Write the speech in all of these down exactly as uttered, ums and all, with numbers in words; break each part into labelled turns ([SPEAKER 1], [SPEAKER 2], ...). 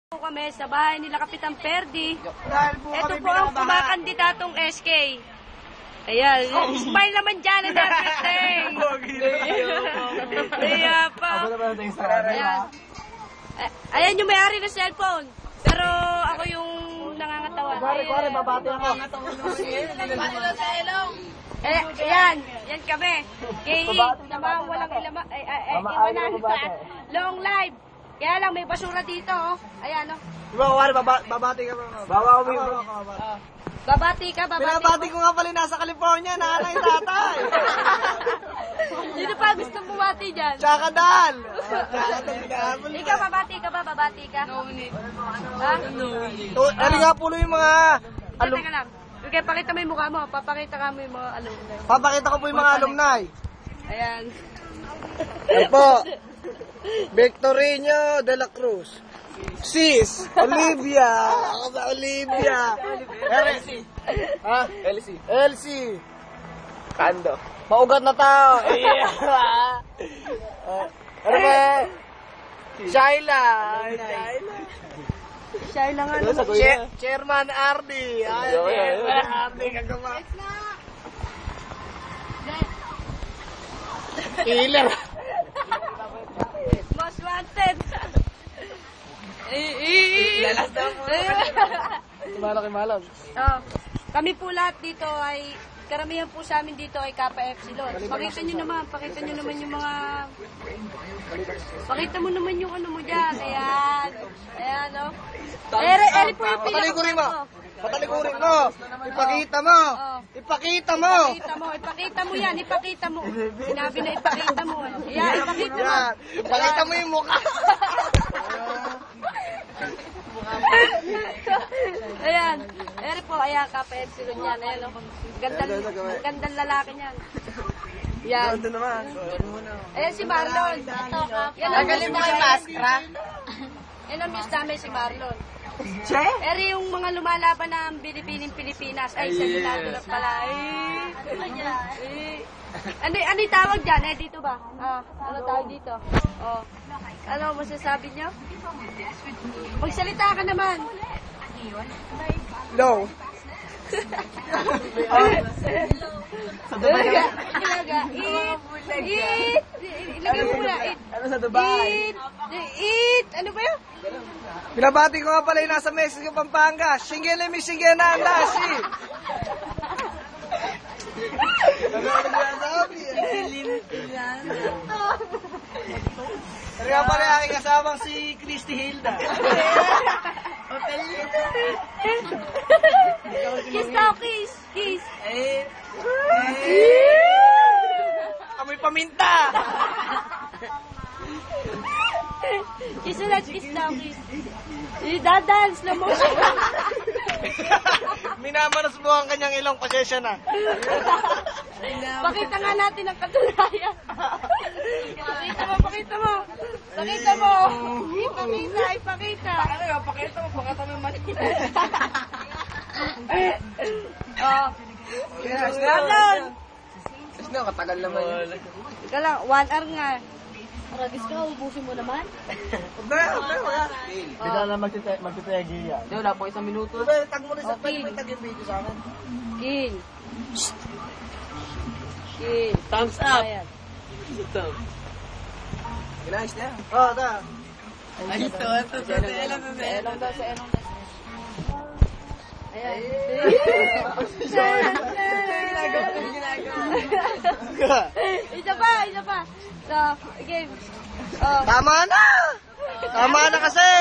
[SPEAKER 1] Kami sa bahay nila Kapitan Perdi.
[SPEAKER 2] Po
[SPEAKER 1] ito po ang kumakandidatong S K. Ayan, smile naman dyan and everything. Kaya pa. Ayan. Ayan yung may-ari ng cellphone. Pero ako yung nangangatawan.
[SPEAKER 2] Kuwari, kuwari, babati ako.
[SPEAKER 1] Eh, yan. Yan kami. Kay namang walang ilama. Ay, ay, ay, iwanan pa. Long live. Kaya lang, may basura dito, oh. Ayan, oh.
[SPEAKER 2] Diba, kuwari, babati ka. Bawa ko mo.
[SPEAKER 1] Babati ka, babati
[SPEAKER 2] Pinabati ko nga pala nasa California, nanay tatay.
[SPEAKER 1] Sino pa gusto bumati dyan?
[SPEAKER 2] Tsaka dal.
[SPEAKER 1] Ikaw, babati ka ba? Babati ka? No need. Ha? No need.
[SPEAKER 2] Ano nga po yung mga...
[SPEAKER 1] Alum Teka lang. Okay, pakita mo yung mukha mo. Papakita ka mo yung mga alumni.
[SPEAKER 2] Papakita ko po yung mga alumni.
[SPEAKER 1] Ayan.
[SPEAKER 2] Ito po. Victorino de la Cruz. Sis, Olivia. Ako ba Olivia? Elsie. Ha? Elsie. Elsie. Kando. Maugat na tao. Yeah. Ano ba? Shaila. Shaila.
[SPEAKER 1] Shaila nga naman.
[SPEAKER 2] Che Chairman Ardi. Ay, Chairman Ardi. Kagama. Killer.
[SPEAKER 1] Most wanted.
[SPEAKER 2] Lalas daw po. Malaki malam.
[SPEAKER 1] Oh, kami po lahat dito ay, karamihan po sa amin dito ay Kappa Epsilon. Pakita nyo naman, pakita nyo naman yung mga, pakita mo naman yung ano mo dyan. Ayan. Ayan, oh. Ere, ere po yung
[SPEAKER 2] Patalikurin mo.
[SPEAKER 1] pinaka-
[SPEAKER 2] Patalikurin mo. Ipakita mo.
[SPEAKER 1] Oh.
[SPEAKER 2] Ipakita mo.
[SPEAKER 1] Ipakita mo, ipakita mo yan, ipakita mo. Sinabi na ipakita mo. Ayan, ipakita mo.
[SPEAKER 2] Yan. Ipakita mo yung mukha.
[SPEAKER 1] Ayan. Ere po, ayan, Kappa Epsilon yan. Ayan, oh. Gandang, gandang lalaki niyan. Yan.
[SPEAKER 2] Ito naman.
[SPEAKER 1] Ayan si Marlon. Yan ang miss namin. Yan ang miss namin si Marlon.
[SPEAKER 2] Che?
[SPEAKER 1] Ere yung mga lumalaban ng Bilipining Pilipinas. Ay, sa Senado na pala. Ay, ay. Ano, ano yung tawag dyan? Eh, dito ba? Ah, ano tawag dito? Oh. Ano masasabi niyo? Magsalita ka naman.
[SPEAKER 2] No.
[SPEAKER 1] Ilaga. Ilaga. Eat. Eat. Ilagay mo muna. Eat.
[SPEAKER 2] Ano sa Dubai?
[SPEAKER 1] Eat. Eat. Ano ba yun?
[SPEAKER 2] Pinabati ko nga pala yung nasa Mexico, Pampanga. Shingele mi shingena andashi. Ano ang sinasabi? Pero nga pala yung aking kasabang si Christy Hilda.
[SPEAKER 1] Kiss daw, kiss. Kiss.
[SPEAKER 2] Amoy paminta.
[SPEAKER 1] Kiss ulit, kiss daw, kiss. Idadance na mo.
[SPEAKER 2] Minamanas mo ang kanyang ilong, pasensya na.
[SPEAKER 1] Pakita nga natin ang katunayan. Pakita mo, pakita mo. Pakita mo. Ipakita, ipakita.
[SPEAKER 2] Ano, pakita mo, pakita mo yung mali.
[SPEAKER 1] Oh. Marlon.
[SPEAKER 2] Kasi nga, katagal naman.
[SPEAKER 1] Ika lang, one hour nga. Ragis ka, ubusin mo naman.
[SPEAKER 2] Hindi, hindi, wala. Hindi na magtitegi yan. Hindi, wala po isang minuto. Tag mo rin sa
[SPEAKER 1] Okay.
[SPEAKER 2] pwede may tag yung video sa akin.
[SPEAKER 1] Kin. Kin.
[SPEAKER 3] Thumbs up.
[SPEAKER 1] Ayan.
[SPEAKER 2] Ginayos na yan. Oo, ta.
[SPEAKER 3] Ay, ito, ito, ito, ito,
[SPEAKER 1] Elong daw, sa elong daw. Ayan. Isa pa, isa pa. So, game. Oh.
[SPEAKER 2] Tama na! Tama na kasi!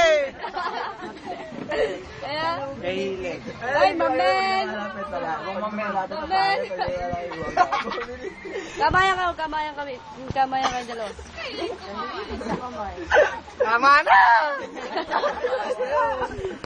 [SPEAKER 1] Ayan.
[SPEAKER 2] Kahilig.
[SPEAKER 1] Ay, mamen. Mamen. Kamayan ka, kamayan kami. Kamayan kayo dalawa.
[SPEAKER 2] Tama na!